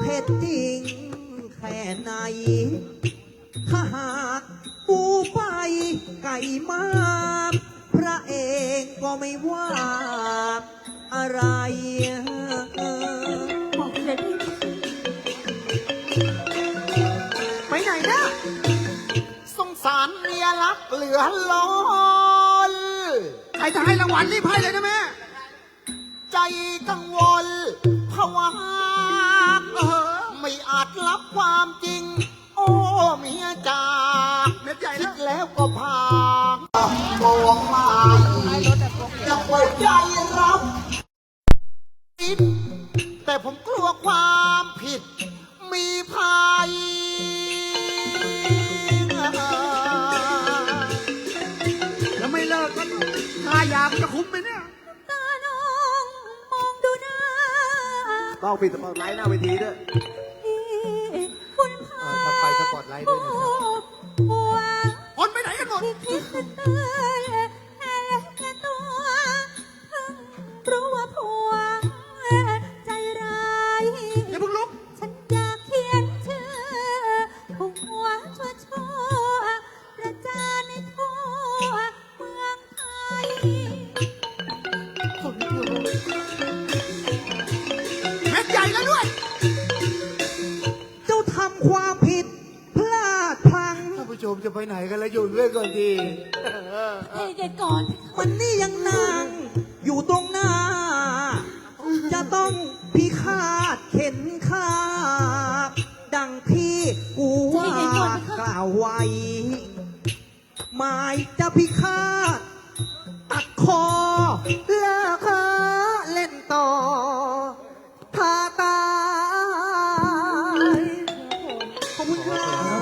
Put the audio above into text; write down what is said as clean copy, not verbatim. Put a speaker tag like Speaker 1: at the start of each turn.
Speaker 1: เผ็ดจริงแค่ไหนถ้าหากปูไปไก่มาพระเอกก็ไม่ว่าอะไร
Speaker 2: บอกเลยไปไหนนะ
Speaker 3: สงสารเมียรักเหลือล้น
Speaker 2: ใครจะให้รางวัลรีบให้เลยนะแม่
Speaker 3: ใจกังวลภาวะไม่อาจรับความจริงโอ้เมียจ๋า
Speaker 2: เม็ดใหญ่
Speaker 3: คิ
Speaker 2: แล้
Speaker 3: ด
Speaker 2: ว
Speaker 3: แล้วก็พามองมาจะปล่อยใจรับแต่ผมกลัวความผิดมีภัย
Speaker 2: แล้วไม่เลิกก็ค่ายาจะคุ้มไหมเนี่ย
Speaker 4: ตาน้องมองดูหน้า
Speaker 2: ต้องปิดสปอตไลท์หน้าเวทีด้วย
Speaker 4: คุณพ่อ
Speaker 2: ถ้าไปสปอตไลท์ด้วยนะครับ
Speaker 4: ห่วง
Speaker 2: คนไปไหนกันหมด
Speaker 4: ที่คิดจะเตือนแค่ตัวเพิ่งรู้ว่าผัวใจร้าย
Speaker 2: อย่าเพิ่งลุก
Speaker 4: ฉันอยากเขียนชื่อผัวชั่วประจานในทั่วเมืองไทย
Speaker 2: เม็ดใหญ่แล้วด้วย
Speaker 1: เจ้าทำความผิดพลาดพลั้ง
Speaker 2: ท่านผู้ชมจะไปไหนกันแล้วอยู่ด้วยก่อนดี
Speaker 4: ให้เด็กก่อน
Speaker 1: วันนี้ยังนางอยู่ตรงหน้า จะต้องพิฆาตเข็นฆ่าดังที่กูว่ากล่าวไว้หมายจะพิฆาตตัดคอ